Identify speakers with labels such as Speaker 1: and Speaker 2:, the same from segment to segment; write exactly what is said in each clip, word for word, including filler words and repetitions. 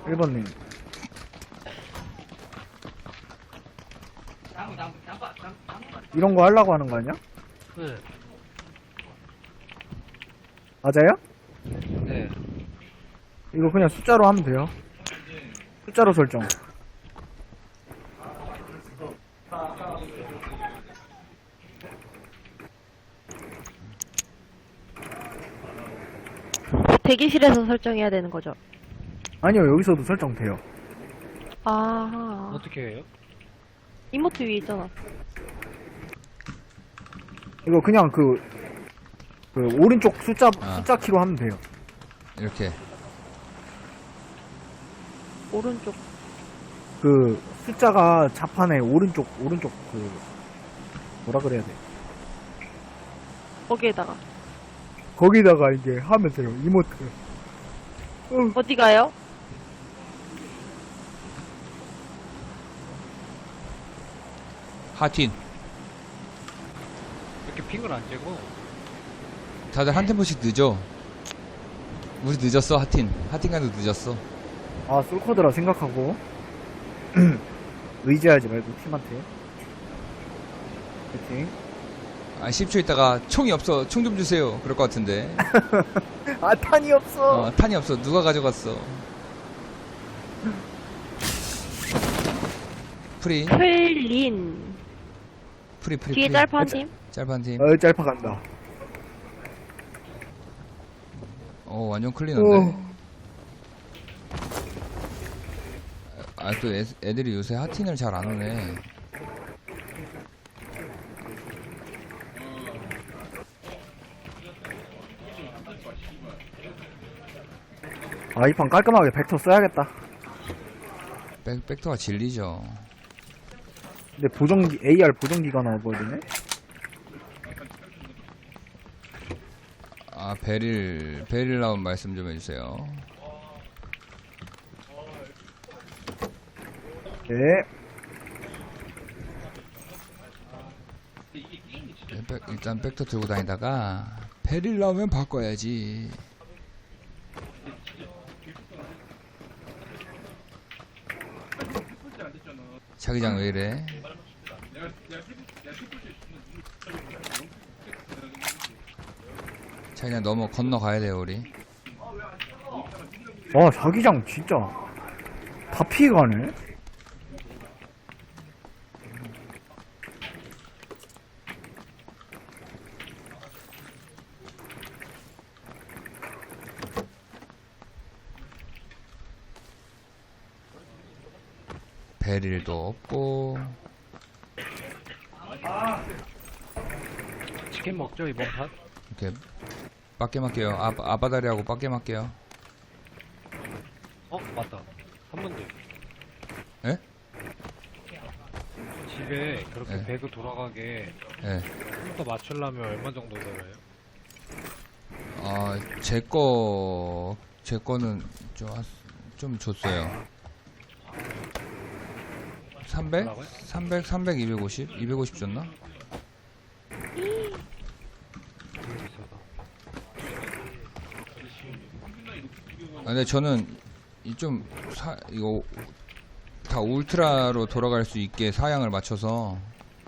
Speaker 1: 일 번님. 이런 거 하려고 하는 거 아니야?
Speaker 2: 네.
Speaker 1: 맞아요?
Speaker 2: 네.
Speaker 1: 이거 그냥 숫자로 하면 돼요. 숫자로 설정.
Speaker 3: 대기실에서 설정해야 되는 거죠?
Speaker 1: 아니요, 여기서도 설정돼요.
Speaker 3: 아,
Speaker 2: 어떻게 해요?
Speaker 3: 이모트 위에 있잖아.
Speaker 1: 이거 그냥 그, 그, 오른쪽 숫자,
Speaker 4: 아.
Speaker 1: 숫자 키로 하면 돼요.
Speaker 4: 이렇게.
Speaker 3: 오른쪽.
Speaker 1: 그, 숫자가 자판에 오른쪽, 오른쪽 그, 뭐라 그래야 돼.
Speaker 3: 거기에다가.
Speaker 1: 거기다가 이제 하면 돼요, 이모트. 어,
Speaker 3: 어디 가요?
Speaker 4: 하틴.
Speaker 2: 이렇게 핑을 안 째고.
Speaker 4: 다들 한 템포씩 늦어. 우리 늦었어, 하틴. 하틴 가도 늦었어.
Speaker 1: 아, 솔코드라 생각하고. 의지하지 말고 팀한테. 파이팅.
Speaker 4: 아, 십 초 있다가 총이 없어. 총 좀 주세요. 그럴 것 같은데.
Speaker 1: 아, 탄이 없어.
Speaker 4: 어, 탄이 없어. 누가 가져갔어. 프리.
Speaker 3: 클린.
Speaker 4: 프리, 프리,
Speaker 3: 뒤에
Speaker 4: 프리.
Speaker 3: 짤파 한 팀.
Speaker 4: 짤판 팀.
Speaker 1: 어, 짤파 간다.
Speaker 4: 어, 완전
Speaker 1: 오.
Speaker 4: 클린한데. 아, 또 애, 애들이 요새 하틴을 잘 안 오네.
Speaker 1: 아, 이 판 깔끔하게 벡터 써야겠다.
Speaker 4: 백, 백터가 진리죠.
Speaker 1: 근데 보정기, 에이알 보정기가 나와버리네?
Speaker 4: 아, 베릴, 베릴 나온 말씀 좀 해주세요.
Speaker 1: 네.
Speaker 4: 네, 백, 일단 백터 들고 다니다가 베릴 나오면 바꿔야지. 자기장 왜 이래? 자기장 넘어 건너가야 돼요 우리.
Speaker 1: 와, 자기장 진짜. 다 피해가네?
Speaker 4: 베릴도 없고.
Speaker 2: 치킨 먹죠, 이번 판?
Speaker 4: 이렇게 빡게 맞게요. 아, 아바다리하고 빡게 맞게요.
Speaker 2: 어, 맞다. 한 번 더.
Speaker 4: 예?
Speaker 2: 집에 그렇게
Speaker 4: 네.
Speaker 2: 배그 돌아가게
Speaker 4: 예.
Speaker 2: 컴퓨터 맞추려면 얼마 정도 들어요?
Speaker 4: 아, 제 거, 제 거는 좀, 하- 좀 줬어요. 삼백?
Speaker 2: 뭐라고요?
Speaker 4: 삼백, 삼백, 이백오십? 이백오십 줬나?
Speaker 2: 되게 비싸다.
Speaker 4: 아, 근데 저는 이 좀 사, 이거 다 울트라로 돌아갈 수 있게 사양을 맞춰서.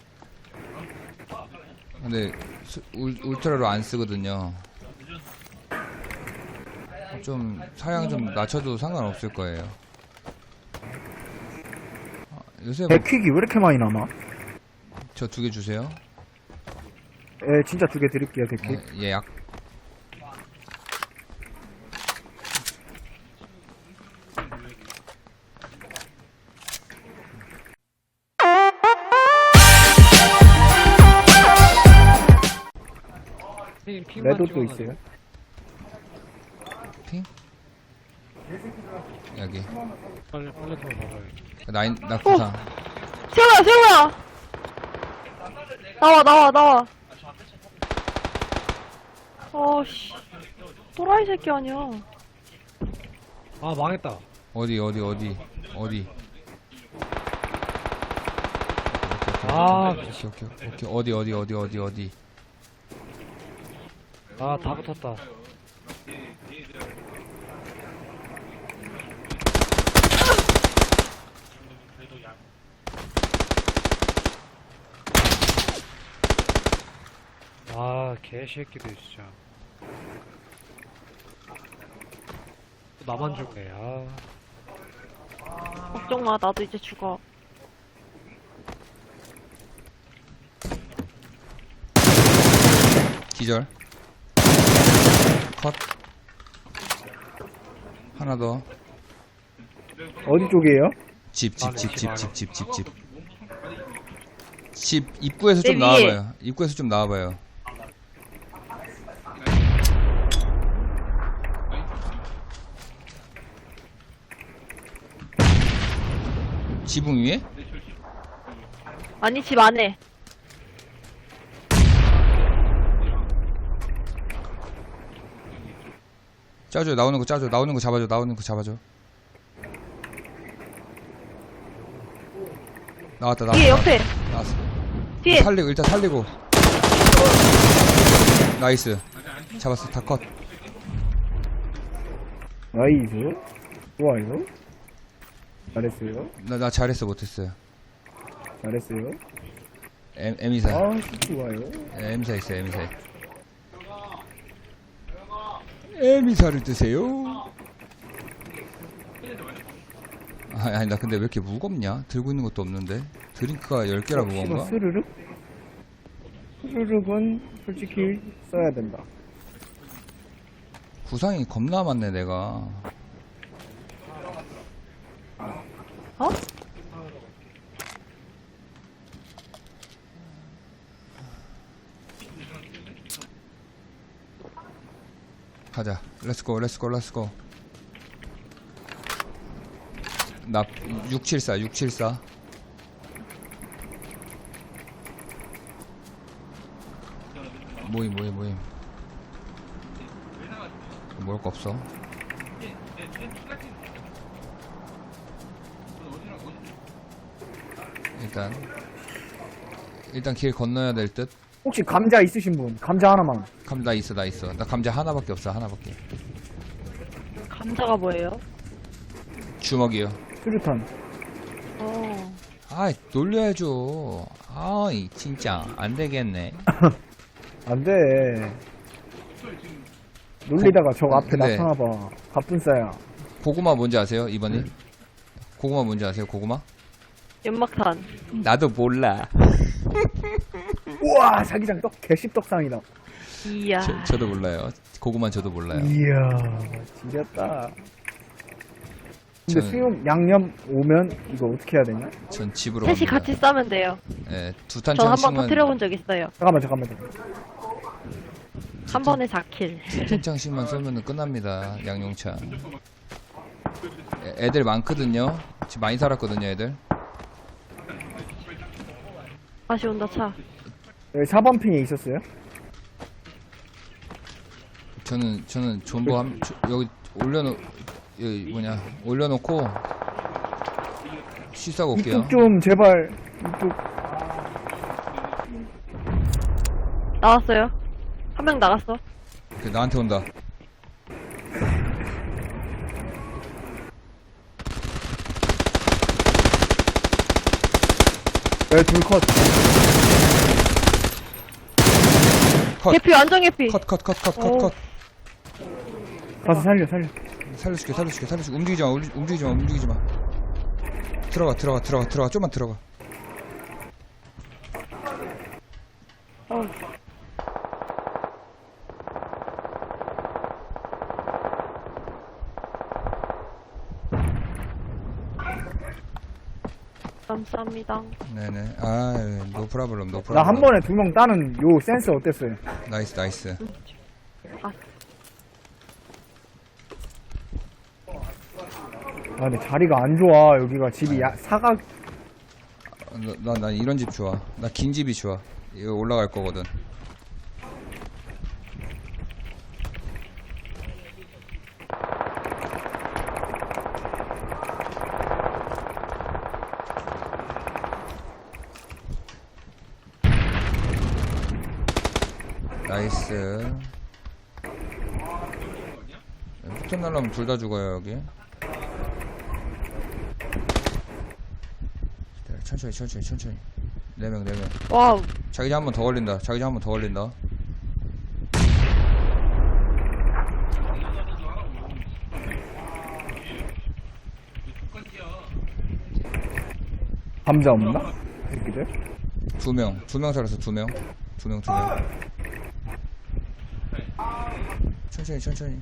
Speaker 4: 근데 스- 울, 울트라로 안 쓰거든요. 좀 사양 좀 낮춰도 상관없을 거예요. 아, 요새
Speaker 1: 백퀵이 왜 이렇게 많이 남아?
Speaker 4: 저 두 개 주세요.
Speaker 1: 예, 진짜 두 개 드릴게요, 백퀵.
Speaker 4: 예, 예약.
Speaker 2: 핑, 핑만
Speaker 1: 레도도
Speaker 2: 찍어놔도
Speaker 1: 있어요.
Speaker 4: 핑? 여기.
Speaker 2: 빨리, 빨리 좀 봐봐요.
Speaker 4: 나인, 나 구상.
Speaker 3: 세우야, 세우야! 나와, 나와, 나와. 어씨. 또라이 새끼 아니야.
Speaker 2: 아, 망했다.
Speaker 4: 어디, 어디, 어디, 어디.
Speaker 2: 아,
Speaker 4: 오케이, 오케이, 오케이, 오케이. 어디, 어디, 어디, 어디, 어디.
Speaker 2: 아, 다 붙었다. 아, 개새끼들, 진짜. 또 나만 죽네, 아.
Speaker 3: 걱정 마, 나도 이제 죽어.
Speaker 4: 기절. 컷. 하나 더.
Speaker 1: 어디 쪽이에요?
Speaker 4: 집, 집,
Speaker 2: 안에,
Speaker 4: 집,
Speaker 2: 집
Speaker 4: 집,
Speaker 2: 안에.
Speaker 4: 집, 집, 집, 집. 집 입구에서
Speaker 3: 내
Speaker 4: 좀
Speaker 3: 위에.
Speaker 4: 나와봐요. 입구에서 좀 나와봐요. 지붕 위에?
Speaker 3: 아니, 집 안에.
Speaker 4: 짜줘. 나오는 거 짜줘. 나오는 거 잡아줘. 나오는 거 잡아줘. 나왔다. 나왔다.
Speaker 3: 뒤에, 옆에.
Speaker 4: 나왔어.
Speaker 3: 뒤에.
Speaker 4: 살리고 일단 살리고. 나이스. 잡았어. 다 컷.
Speaker 1: 나이스. 좋아요. 잘했어요.
Speaker 4: 나, 나 잘했어. 못했어요.
Speaker 1: 잘했어요.
Speaker 4: M, M이사.
Speaker 1: 아, 좋아요.
Speaker 4: M사 있어요. M사. M이사를 드세요. 아니, 아니 나 근데 왜 이렇게 무겁냐? 들고 있는 것도 없는데. 드링크가 열 개라 무거운가?
Speaker 1: 스르륵? 스르륵은 솔직히 써야 된다.
Speaker 4: 구상이 겁나 많네 내가.
Speaker 3: 어?
Speaker 4: 가자. 렛츠고 렛츠고 렛츠고. 나 육칠사 육칠사. 모임 모임 모임. 먹을 거 없어. 일단 일단 길 건너야 될 듯.
Speaker 1: 혹시 감자 있으신 분? 감자 하나만.
Speaker 4: 감 나 있어 나 있어. 나 감자 하나밖에 없어. 하나밖에.
Speaker 3: 감자가 뭐예요?
Speaker 4: 주먹이요.
Speaker 1: 수류탄.
Speaker 3: 어.
Speaker 4: 아이 놀려야죠. 아이 진짜 안 되겠네.
Speaker 1: 안 돼. 놀리다가 저 앞에
Speaker 4: 네.
Speaker 1: 나타나봐. 갑분싸야.
Speaker 4: 고구마 뭔지 아세요 이번에? 고구마 뭔지 아세요 고구마?
Speaker 3: 연막탄.
Speaker 4: 나도 몰라.
Speaker 1: 우와, 자기장 떡, 개씹떡상이다.
Speaker 3: 이야.
Speaker 4: 저, 저도 몰라요. 고구마 저도 몰라요.
Speaker 1: 이야, 지렸다. 근데
Speaker 4: 저는-
Speaker 1: 수육 양념 오면 이거 어떻게 해야 되냐?
Speaker 4: 전 집으로
Speaker 3: 셋이
Speaker 4: 갑니다.
Speaker 3: 같이 싸면 돼요.
Speaker 4: 예, 두
Speaker 3: 전 한 번
Speaker 4: 탄창씩만
Speaker 3: 터뜨려본 적 있어요.
Speaker 1: 잠깐만, 잠깐만. 잠깐만.
Speaker 3: 한 번에 사 킬.
Speaker 4: 두 탄창씩만 쏘면 끝납니다. 양용차. 애- 애들 많거든요. 지금 많이 살았거든요, 애들.
Speaker 3: 다시 온다, 차.
Speaker 1: 여기 사 번 핑에 있었어요?
Speaker 4: 저는 저는 존버 한 저- 여기 올려놓 여기 뭐냐 올려놓고 쉬싸고 올게요.
Speaker 1: 이쪽 좀 제발. 이쪽.
Speaker 3: 나왔어요. 한 명 나갔어.
Speaker 4: 그, 나한테 온다.
Speaker 1: 여기 둘 컷.
Speaker 4: 컷.
Speaker 3: 개피, 완전 개피.
Speaker 4: 컷 컷 컷 컷 컷
Speaker 3: 오.
Speaker 4: 컷.
Speaker 1: 가서 살려, 살려.
Speaker 4: 살려줄게 살려줄게 살려줄게. 움직이지 마 울리- 움직이지 마 움직이지 마. 들어가 들어가 들어가 들어가 좀만 들어가.
Speaker 3: 어. 감사합니다.
Speaker 4: 네네. 아, 노 프라블럼, 노 프라블럼.
Speaker 1: 나 한 번에 두 명 따는 요 센스 어땠어요?
Speaker 4: 나이스, 나이스.
Speaker 3: 아,
Speaker 1: 아, 근데 자리가 안 좋아. 여기가 집이 야, 사각.
Speaker 4: 나, 나, 나 이런 집 좋아. 나 긴 집이 좋아. 이거 올라갈 거거든. 나이스. 폭탄 날라면 둘 다 죽어요, 여기. 천천히, 천천히, 천천히. 네 명, 네 명.
Speaker 3: 와우.
Speaker 4: 자기장 한 번 더 걸린다. 자기장 한 번 더 걸린다.
Speaker 1: 감자 없나? 새끼들?
Speaker 4: 두 명, 두 명 살았어, 두 명. 두 명, 두 명. 천천히, 천천히.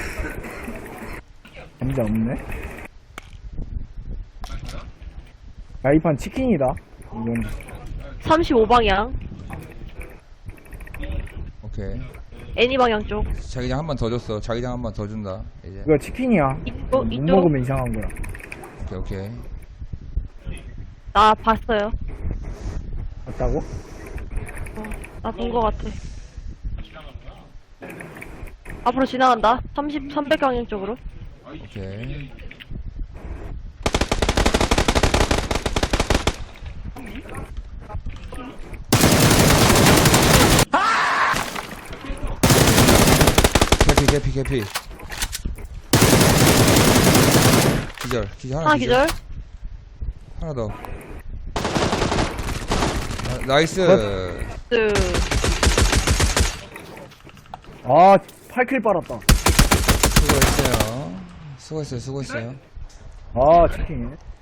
Speaker 1: 감자 없네? 야, 이 판 치킨이다. 이건
Speaker 3: 삼십오 방향.
Speaker 4: 오케이.
Speaker 3: 애니 방향 쪽.
Speaker 4: 자기장 한 번 더 줬어. 자기장 한 번 더 준다. 이제.
Speaker 1: 이거 치킨이야.
Speaker 3: 이쪽,
Speaker 1: 못
Speaker 3: 이쪽.
Speaker 1: 먹으면 이상한 거야.
Speaker 4: 오케이, 오케이.
Speaker 3: 나 봤어요.
Speaker 1: 맞다고?
Speaker 3: 나 본 거 같아. 앞으로 지나간다. 삼십, 삼백 방향 쪽으로.
Speaker 4: 오케이. 개피, 개피, 개피. 기절, 기절, 하나,
Speaker 3: 하나 기절.
Speaker 4: 하나 더. 아, 나이스.
Speaker 3: 그,
Speaker 1: 아, 팔 킬 빨았다.
Speaker 4: 수고했어요. 수고했어요, 수고했어요.
Speaker 1: 아, 치킨.